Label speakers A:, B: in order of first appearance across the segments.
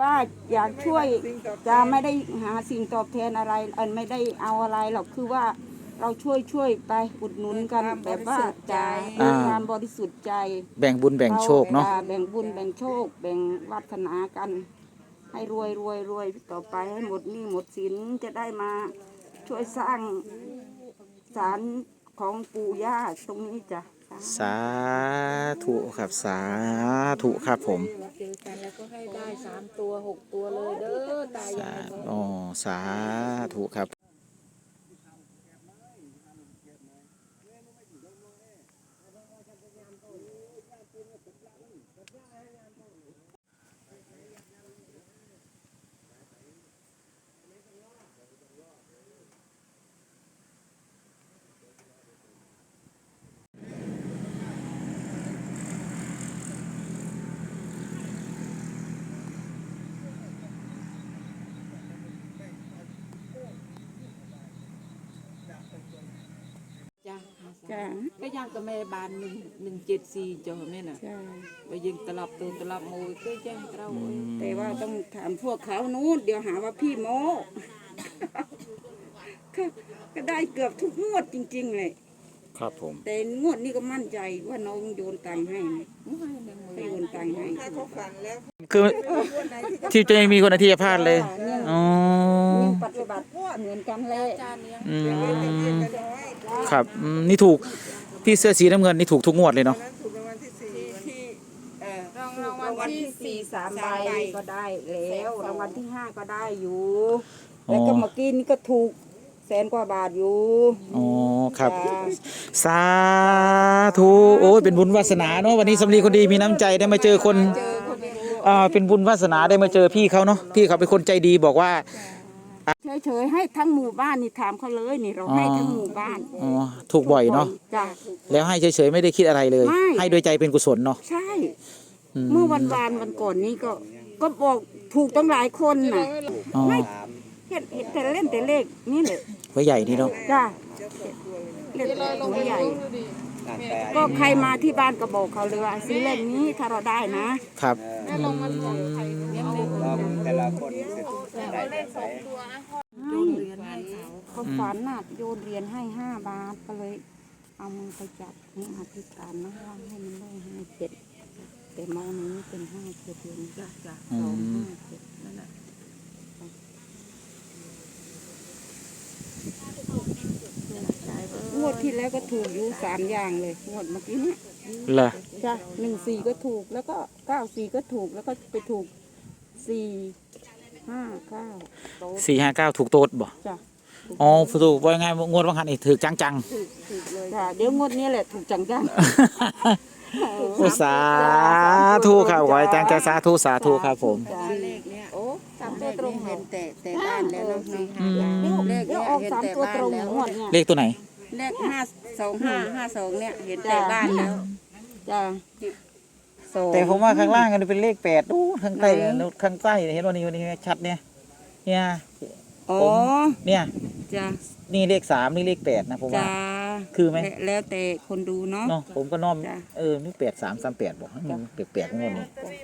A: ว่าอยากช่วยจะไม่ได้หาสิ่งตอบแทนอะไรไม่ได้เอาอะไรหรอกคือว่าเราช่วยไปอุดหนุนกันแบบว่าจะด้วยความบริสุทธิ์ใจ
B: แบ่งบุญแบ่งโชคเนาะ
A: แบ่งบุญแบ่งโชคแบ่งวาสนากันให้รวยต่อไปให้หมดหนี้หมดสินจะได้มาช่วยสร้างศาลของปู่ย่าตรงนี้จ้ะ
B: สาธุครับสาธุครับผม
C: เจอกันแล้วก็ให้ได้3 ตัว 6 ตัวเลยเด้อตายาย
B: อ๋อสาธุครับ
C: จ้าก็ยังกับแม่บาน174จ้ะแม่น่ะไปยิงตลับตัวตลับมวยก็แจ้งเรา
A: แต่ว่าต้องถามพวกเขานู้นเดี๋ยวหาว่าพี่โมก็ได้เกือบทุกงวดจริงๆเลย
B: ครับผม
A: แต่งวดนี้ก็มั่นใจว่าน้องโยนตังค์ให้ให้โยนตังค์ให้
B: คือที่จะมีคนที่จะพลาดเลยอ๋อ
A: ปฏิบัติเหมือนกันเลย
B: ครับนี่ถูกพี่เสื้อสีน้ำเงินนี่ถูกทุกงวดเลยเนาะ
A: รางวัลที่4 3 ใบก็ได้แล้วรางวัลที่5ก็ได้อยู่แล้วก็เมื่อกี้นี่ก็ถูก100,000 กว่าบาทอยู่
B: อ๋อครับสาธุโอ้ยเป็นบุญวาสนาเนาะวันนี้สำลีคนดีมีน้ำใจได้มาเจอคนเป็นบุญวาสนาได้มาเจอพี่เขาเนาะพี่เขาเป็นคนใจดีบอกว่า
A: เฉยๆให้ทั้งหมู่บ้านนี่ถามเขาเลยนี่เราให้ทั้งหมู่บ้าน
B: อ๋อถูกบ่อยเนาะแล้วให้เฉยๆไม่ได้คิดอะไรเลยให้โดยใจเป็นกุศลเนาะ
A: ใช่เมื่อวันก่อนนี้ก็บอกถูกตั้งหลายคนน่ะไม่เห็นแต่เล่นแต่เลขนี่แหละ
B: หัวใหญ่นี่เนาะ
A: จ้าเล่นหัวใหญ่ก็ใครมาที่บ้านก็บอกเขาเลยว่าซื้อเลขนี้ถ้าเราได้นะครับ
D: แต่ละคนได้เลข
A: 2 ตัวโยนเหรียญให้เขาฝันน่ะโยนเหรียญให้5 บาทก็เลยเอามือไปจับนี่อธิษฐานนะว่าให้มันได้5 7แต่มองนี้เป็น5 7เดือนจ้ะ2 5 7นั่นแหละงวดที่แล้วก็ถูกอยู่3 อย่างเลยงวดเมื่อกี้เนี่ย
B: เหรอ
A: จ้ะ14ก็ถูกแล้วก็94ก็ถูกแล้วก็ไปถูก
B: 459ถูกโต๊ดบ่
A: จ้ะ
B: อ๋อถูกว่าไงงวดบางคันอีกถูกจัง
A: ถูกเลยจ้ะเดี๋ยวงวดนี้แหละถูกจัง
B: สาธุครับขอให้จังใจสาธุครับผม
C: เลขเนี้ยโอ้3 ตัวตรงเห็นแต่บ้านแล้วเนาะ
A: เลขออก3 ตัวตรงงวดเนี่ย
B: เลขตัวไหน
A: เลข52552เนี่ยเห็นแต่บ้านแล้วจ้ะ
B: แต่ผมว่าข้างล่างกันเป็นเลข8ดูข้างใต้เห็นว่านี่ชัดเนี่ย
A: อ๋อ
B: เนี่ย
A: จ้ะ
B: นี่เลข3นี่เลข8นะผมว่าคือไหม
A: แล้วแต่คนดูเนาะ
B: ผมก็น้อมนี่8338บอกมันแปลกๆงวดนี้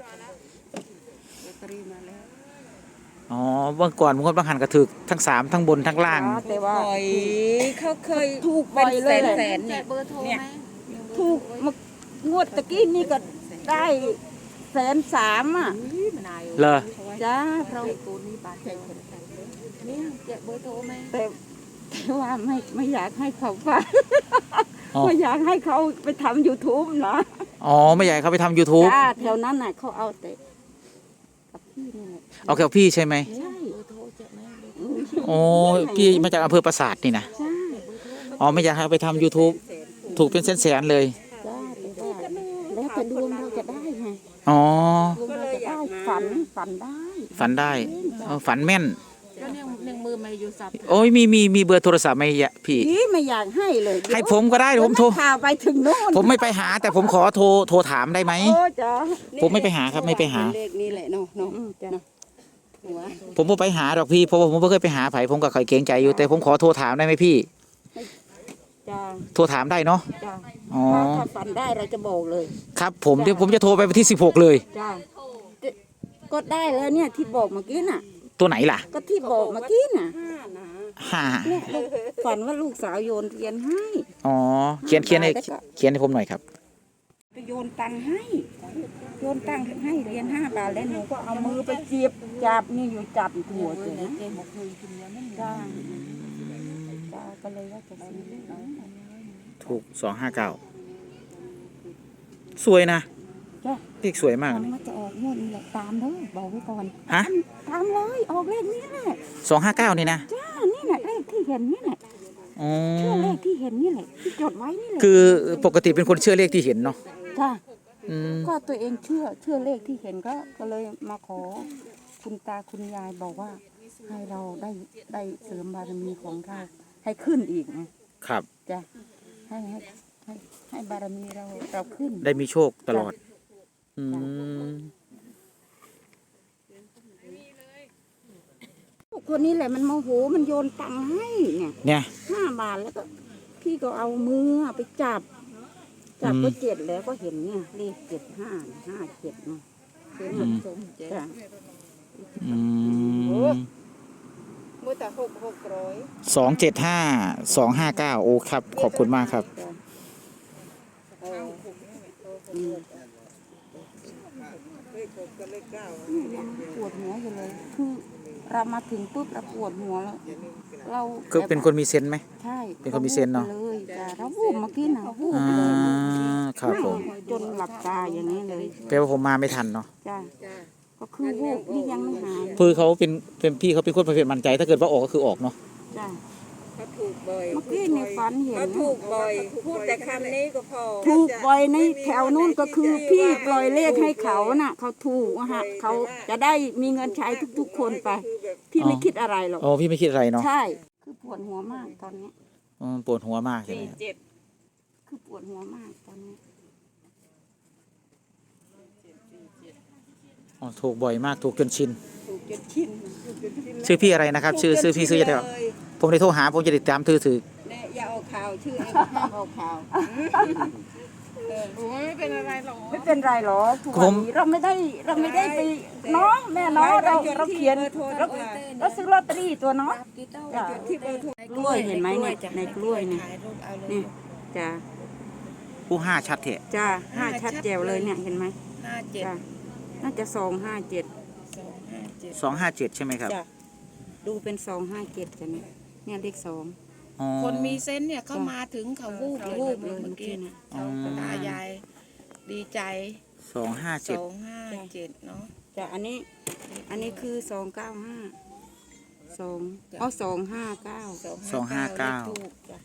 B: อ๋อเมื่อก่อนบางหันก็ถูกทั้ง3ทั้งบนทั้งล่าง
A: แต่ว่าเขาเคยถูกไปแสนเนี่ยถูกงวดตะกี้นี่ก็ได้103,000อ่ะ
B: เหรอ
A: จ้าเรา
C: นี่แจกเบอร์โทรไหม
A: แต่ว่าไม่อยากให้เขาฟังไม่อยากให้เขาไปทำ YouTube นะ
B: อ๋อไม่อยากเขาไปทำ YouTube
A: จ้าแถวนั้นน่ะเขาเอาแต่กับพี่นี่แหละ
B: เอากับพี่ใช่ไหม
A: ใช่
B: โอ้พี่มาจากอำเภอปราสาทนี่นะ
A: ใช่
B: อ๋อไม่อยากให้ไปทำ YouTube ถูกเป็นแสนๆเลย
A: แล้วแต่ดวงเราจะได้ไง
B: อ๋อ
A: ก็เลยได้ฝันได้
B: ฝันแม่น
C: ก็เนี่ยมือไม่อยู่สับ
B: โอ้ยมีเบอร์โทรศัพท์ไหมพี่
A: ไม่อยากให้เลย
B: ให้ผมก็ได้ผมโทร
A: ไปถึงโน่น
B: ผมไม่ไปหาแต่ผมขอโทรถามได้ไหมผมไม่ไปหาครับไม่ไปหา
A: เลขนี้แหละเนาะ
B: ผมไม่ไปหาหรอกพี่เพราะว่าผมไม่เคยไปหาไผผมก็เคยเกรงใจอยู่แต่ผมขอโทรถามได้ไหมพี่โทรถามได้เนาะ
A: อ๋อถ้าฝันได้เราจะบอกเลย
B: ครับเดี๋ยวผมจะโทรไปวันที่16เลย
A: ก็ได้แล้วเนี่ยที่บอกเมื่อกี้น่ะ
B: ตัวไหนล่ะ
A: ก็ที่บอกเมื่อกี้น่ะ
B: ห้า
A: เนี่ยฝันว่าลูกสาวโยนเหรียญให้
B: อ๋อเขียนให้ผมหน่อยครับ
A: ไปโยนตังค์ให้โยนตังค์ให้เหรียญ5 บาทแล้วหนูก็เอามือไปจีบจับนี่อยู่จับหัวเลยนะจ้าจ้าก็เลยว่าจะซื้อ
B: ถูก259สวยนะ
A: จ้า
B: เลขสวยมาก
A: มัน
B: นี่
A: จะออกงวดนี้แหละตามเด้อบอกไว้ก่อน
B: ฮะ
A: ตามเลยออกเลขนี้แหละ
B: 259นี่นะ
A: จ้านี่แหละเลขที่เห็นนี่แหละ
B: อ๋อ
A: เชื่อเลขที่เห็นนี่แหละที่จดไว้นี่แหละ
B: คือปกติเป็นคนเชื่อเลขที่เห็นเนาะ
A: จ้า
B: อืม
A: ก็ตัวเองเชื่อเลขที่เห็นก็เลยมาขอคุณตาคุณยายบอกว่า ให้เราได้เสริมบารมีของเราให้ขึ้นอีกนะครับ จ้ะให้บารมีเราขึ้น
B: ได้มีโชคตลอด อืม
A: คนนี้แหละมันโมโหมันโยนตังค์ให้เนี่ย
B: เนี่ย
A: 5 บาทแล้วก็พี่ก็เอามือไปจับก็7แล้วก็เห็นเนี่ยเลข75 57เนาะเห็นมันสมจ้ะ
B: อืม
C: มือแต่600
B: 275 259โอ้ครับ ขอบคุณมากครับ
A: จ้ะยังปวดหัวอยู่เลยคือเรามาถึงปุ๊บเราปวดหัวแล้วเรา
B: คือเป็นคนมีเซนส์ไหม
A: ใช่
B: เป็นคนมีเซนส์เนอะ
A: เลยจ้ะเราวูบเมื่อกี้นะวูบ
B: อ่า
A: เลย
B: ครับผม
A: จนหลับตาอย่างนี้เลย
B: แปลว่าผมมาไม่ทันเนาะ
A: จ้ะก็คือวูบนี่ยังไม่หาย
B: คือเขาเป็นพี่เขาเป็นคนประเภทมั่นใจ ถ้าเกิดว่าออกก็คือออกเนาะ
A: จ้ะ
C: เขาถูกบ่อย
A: เมื่อกี้ในฝันเห็น
C: เขาถูกบ่อยพูดแต่คำนี้ก็พอ
A: ถูกบ่อยในแถวนู้นก็คือพี่ปล่อยเลขให้เขาน่ะเขาถูกอะฮะเขาจะได้มีเงินใช้ทุกๆคนไป พี่ไม่คิดอะไรหรอก
B: อ๋อพี่ไม่คิดอะไรเนาะ
A: ใช่คือปวดหัวมากตอนนี้
B: อ๋อปวดหัวมากใช่ไหม
A: คือปวดหัวมากตอนนี้
B: อ๋อถูกบ่อยมากถูกจนชิน
A: ถูกจนชิน
B: ชื่อพี่อะไรนะครับ ชื่อพี่ซื้อจะได้ผมได้โทรหาผมจะติดตามถือ
A: เนี่ยอย่าเอาข่าวชื่อเองห้ามเอาข่าว
C: โอ้ยไม่เป็นอะไรหรอก
A: ไม่เป็นไรหรอกทุกวันนี้เราไม่ได้ไปน้องแม่น้องเราเขียนเราซื้อลอตเตอรี่ตัวเนาะจ้ะกล้วยเห็นไหมเนี่ยในกล้วยเนี่ยนี่จ้ะ
B: ผู้ห้าชัดเถอะ
A: จ้ะ5ชัดแจ๋วเลยเนี่ยเห็นไหม
C: 57
A: จ้ะน่าจะ257
B: 257ใช่ไหมครับ
A: จ้ะดูเป็น257จ้ะเนี่ยเลข2
B: อ๋อ
C: คนมีเซนส์เนี่ยเขามาถึงเขาวูบ
A: วูบ
C: เล
A: เลย ย
C: เมื่
A: เมื่
C: อ
A: อ
C: กี้
A: กี้เนี่ย
C: เขาตายายดีใจ
B: 257
C: 257เนาะ
A: จ้ะอันนี้คือ295 2เอา259
B: 259
C: ถูกจ้ะ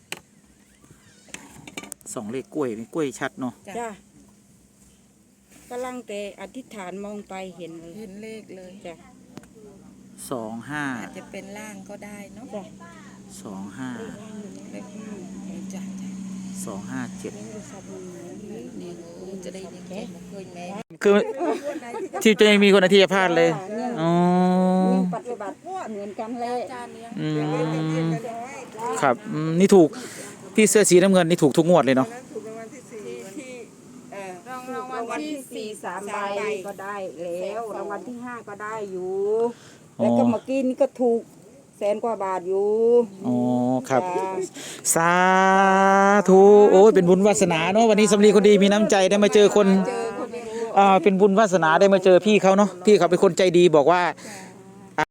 B: 2เลขกล้วยนี่กล้วยชัดเนาะ
A: จ้ะกำลังแต่อธิษฐานมองไปเห็นเลย
C: เห็นเลขเลย
A: จ้ะ
C: อาจจะเป็นล่างก็ได้เนาะ
A: จ้ะ
B: 25
C: เลขจ้ะ
B: 257
C: นี่จะได้ยังไงมาเคยแม่
B: คือที่จะยังมีคนอธิษฐานเลยอ๋อ
A: ปฏิบัติเหมือนกันเลย
B: อืมครับนี่ถูกพี่เสื้อสีน้ำเงินนี่ถูกทุกงวดเลยเนาะ
A: รางวัลที่4 3 ใบก็ได้แล้วรางวัลที่5ก็ได้อยู่แล้วก็เมื่อกี้นี่ก็ถูก100,000 กว่าบาทอยู่
B: อ๋อครับ
A: จ้ะ
B: สาธุโอ้ยเป็นบุญวาสนาเนาะวันนี้สำลีคนดีมีน้ำใจได้มาเจอคนเป็นบุญวาสนาได้มาเจอพี่เขาเนาะพี่เขาเป็นคนใจดีบอกว่า